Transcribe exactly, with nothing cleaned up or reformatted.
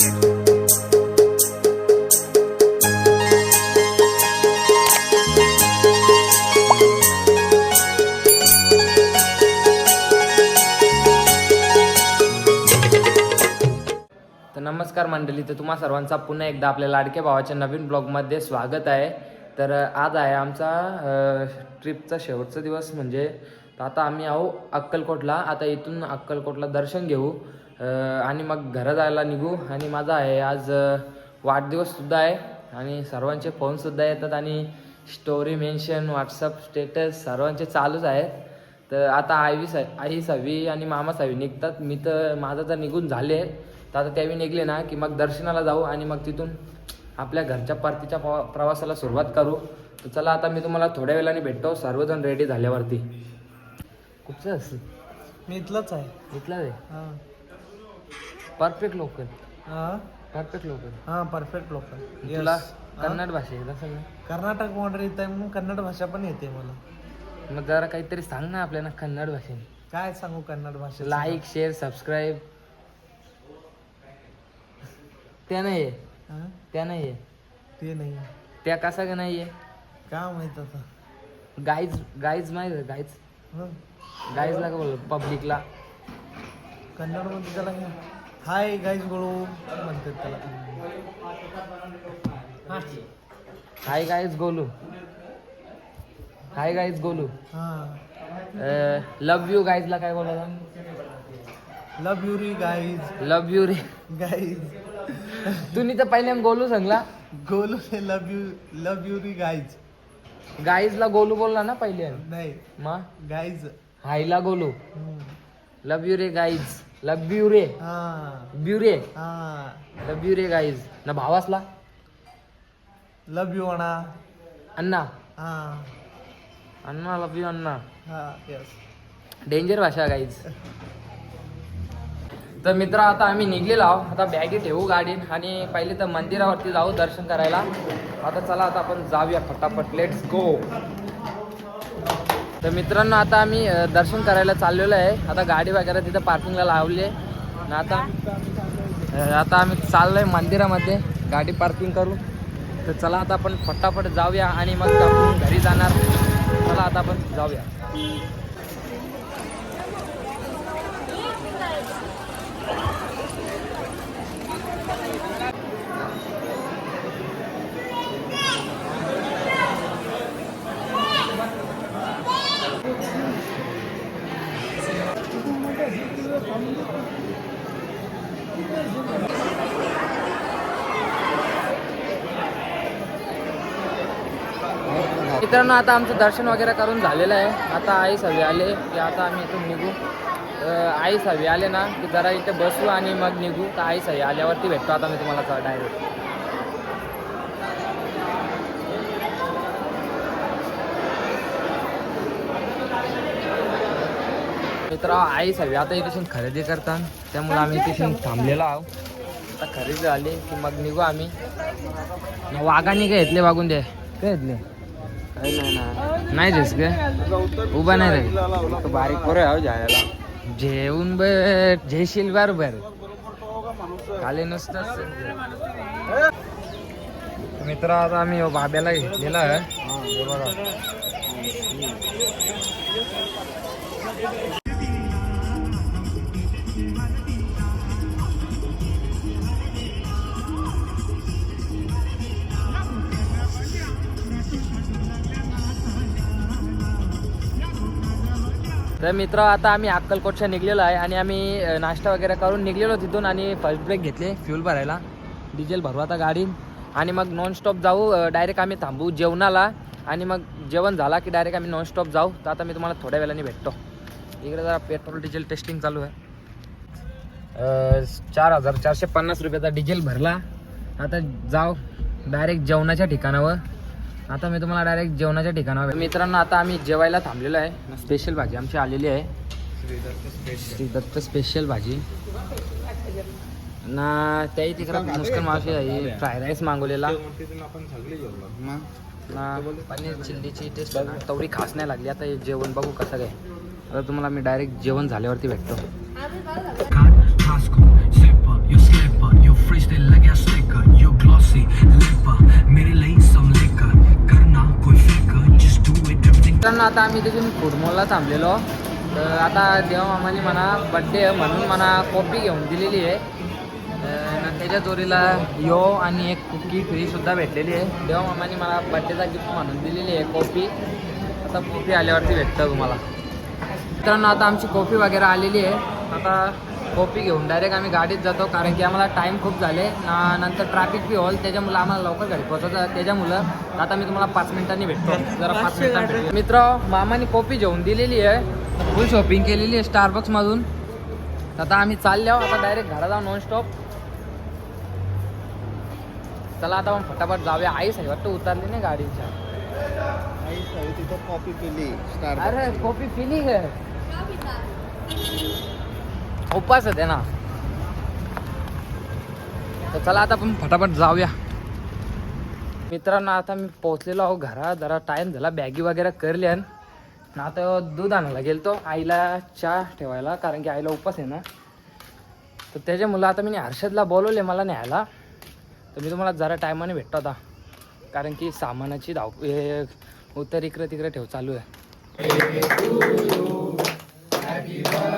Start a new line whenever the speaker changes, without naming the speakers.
नमस्कार मंडळी, तर तुम्हा सर्वांचा पुन्हा एकदा आपल्या लाडक्या भावाच्या नवीन ब्लॉगमध्ये स्वागत आहे. तर आज आहे आमचा ट्रिपचा शेवटचा दिवस. म्हणजे आता आम्ही आहो अक्कलकोटला. आता इथून अक्कलकोटला दर्शन घेऊ आणि मग घरा जायला निघू. आणि माझा आहे आज वाढदिवससुद्धा आहे आणि सर्वांचे फोनसुद्धा येतात आणि स्टोरी मेन्शन, व्हॉट्सअप स्टेटस सर्वांचे चालूच आहेत. तर आता आईवी सा आई सहावी आणि मामा सहावी निघतात. मी तर माझं तर निघून झाले. तर आता त्यावेळी निघले ना की मग दर्शनाला जाऊ आणि मग तिथून आपल्या घरच्या परतीच्या प्रवासाला सुरुवात करू. तर चला आता मी तुम्हाला थोड्या वेळाने भेटतो सर्वजण रेडी झाल्यावरती. कुठचं असं
मी इथलंच आहे.
इथलं आहे.
हां
परफेक्ट लोकल.
हां
परफेक्ट लोकल.
हां परफेक्ट लोकल.
तुला कन्नड भाषा येत असेल ना?
कर्नाटक बॉर्डर येत आहे म्हणून कन्नड भाषा पण येते मला.
मग जरा काहीतरी सांग ना आपल्याला कन्नड भाषेने.
काय सांगू कन्नड भाषेत?
Like, share, subscribe. त्या नाही आहे.
हां
त्या नाही आहे.
ते नाही.
त्या कसा का नाही आहे?
काय माहित आता.
गाईज गाईज माहीत आहे गाईज.
हं
गाईजला का बोल पब्लिकला
कन्नडमध्ये त्याला हाय गाईज गोळू म्हणतात त्याला. हां
hi guys Golu. Hi guys Golu.
हां
लव यू गाईजला काय बोलायला?
लव यू री गाईज.
लव यू रे
गाईज.
तुम्ही तर पहिल्या गोलू सांगला.
गोलू से लव यू लव यू री गाईज.
गाईजला गोलू बोलला ना पहिले.
नाही
मग
गाईज.
हायला गोलू.
हं.
लव यू रे गाईज. लव यू रे
हां
ब्यू रे.
हां
लव यू रे गाईज. ना भावासला
लव यू अण्णा.
अण्णा.
हां
अण्णा लव यू अण्णा.
हां यस.
डेंजर भाषा गाईज. तर मित्र आता आम्ही निघलेलो आहोत. आता बॅगी ठेवू गाडीत आणि पहिले तर मंदिरावरती जाऊ दर्शन करायला. आता चला आता आपण जाऊया फटाफट. Let's go. तर मित्रांनो आता आम्ही दर्शन करायला चाललेलो आहे. आता गाडी वगैरे तिथं पार्किंगला लावली आहे. आता आता आम्ही चाललो आहे मंदिरामध्ये गाडी पार्किंग करू. तर चला आता आपण फटाफट जाऊया आणि मग आपण घरी जाणार. चला आता आपण जाऊया. मित्रांनो आता आमचं दर्शन वगैरे करून झालेलं आहे. आता आई सहावी आले की आता आम्ही इथून निघू. आई सहावी आले ना की जरा इथे बसू आणि मग निघू. तर आई सहावी आल्यावरती भेटतो आता मी तुम्हाला डायरेक्ट. मित्र आई सहावी आता इथून खरेदी करतात त्यामुळे आम्ही तिथून थांबलेलो आहोत. आता खरेदी झाली की मग निघू आम्ही. वाघाने काय घेतले वागून दे. काय घेतले नाही जेस ग उभा नाही रे बारीक पोरं आहे जायला. जेवून बर जेशील बरोबर खाली नुसतंच. मित्र आता आम्ही बाब्याला घेतलेला आहे. तर मित्र आता आम्ही अक्कलकोटच्या निघलेलो आहे आणि आम्ही नाश्ता वगैरे करून निघलेलो तिथून आणि फर्स्ट ब्रेक घेतले फ्यूल भरायला. डिझेल भरू आता गाडीत आणि मग नॉनस्टॉप जाऊ. डायरेक्ट आम्ही थांबू जेवणाला आणि मग जेवण झाला की डायरेक्ट आम्ही नॉनस्टॉप जाऊ. तर आता मी तुम्हाला थोड्या वेळाने भेटतो. इकडे जरा पेट्रोल डिझेल टेस्टिंग चालू आहे. चार हजार चारशे पन्नास रुपयाचा डिझेल भरला. आता जाऊ डायरेक्ट जेवणाच्या ठिकाणावर. आता मी तुम्हाला डायरेक्ट जेवणाच्या ठिकाणावर. मित्रांनो आता आम्ही जेवायला थांबलेलो आहे. स्पेशल भाजी आमची आलेली आहे. श्री दत्त स्पेशल भाजी ना. त्याही तिकडं मुस्कन मावशी आहे. फ्राय राईस मागवलेला ना. पनीर चिल्लीची टेस्ट तेवढी खास नाही लागली. आता जेवण बघू कसं काय. आता तुम्हाला मी डायरेक्ट जेवण झाल्यावरती भेटतो.
से लिपा मेरे लिए समलेका करना कोई फेका just do it everything
मित्रांनो आता आम्ही तिथून फुडमॉलला थांबलेलो. तर आता देवा मामाने म्हणा बड्डे आहे म्हणून म्हणा कॉफी घेऊन दिलेली आहे. तर त्याच्या जोडीला यो आणि एक कुकी फ्री सुद्धा भेटलेली आहे. देवा मामाने मला बड्डेचा गिफ्ट म्हणून दिलेली आहे कॉफी. आता कॉफी आल्यावरती भेटतं तुम्हाला. मित्रांनो आता आमची कॉफी वगैरे आलेली आहे. आता कॉफी घेऊन डायरेक्ट आम्ही गाडीत जातो कारण की आम्हाला टाईम खूप झाले ना, नंतर ट्रॅफिक बी होईल त्याच्यामुळं आम्हाला लवकर घरी पोहोचायचं. त्याच्यामुळं आता मी तुम्हाला पाच मिनिटांनी भेटतो. जरा पाच मिनिटांनी भेटतो. मित्र मामाने कॉफी घेऊन दिलेली आहे. फुल शॉपिंग केलेली आहे स्टारबक्समधून. आता आम्ही चाललो आता डायरेक्ट घरा जाऊ नॉन स्टॉप. चला आता मग फटाफट जाऊया. आई साहेब वाटतं उतरली नाही गाडीच्या.
तिथं कॉफी पिली
अरे कॉफी पिली है उपास होते ना. तर चला आता आपण फटाफट जाऊया. मित्रांनो आता मी पोहोचलेलो आहो घरा. जरा टाईम झाला बॅगी वगैरे करल्या ना. आता दूध आणायला गेलतो आईला चहा ठेवायला कारण की आईला उपास आहे ना. तर त्याच्यामुळं आता मी हर्षदला बोलवले मला न्यायला. तर मी तुम्हाला जरा टायमाने भेटतो आता कारण की सामानाची धाव हे उत्तर इकडे तिकडे ठेव चालू आहे.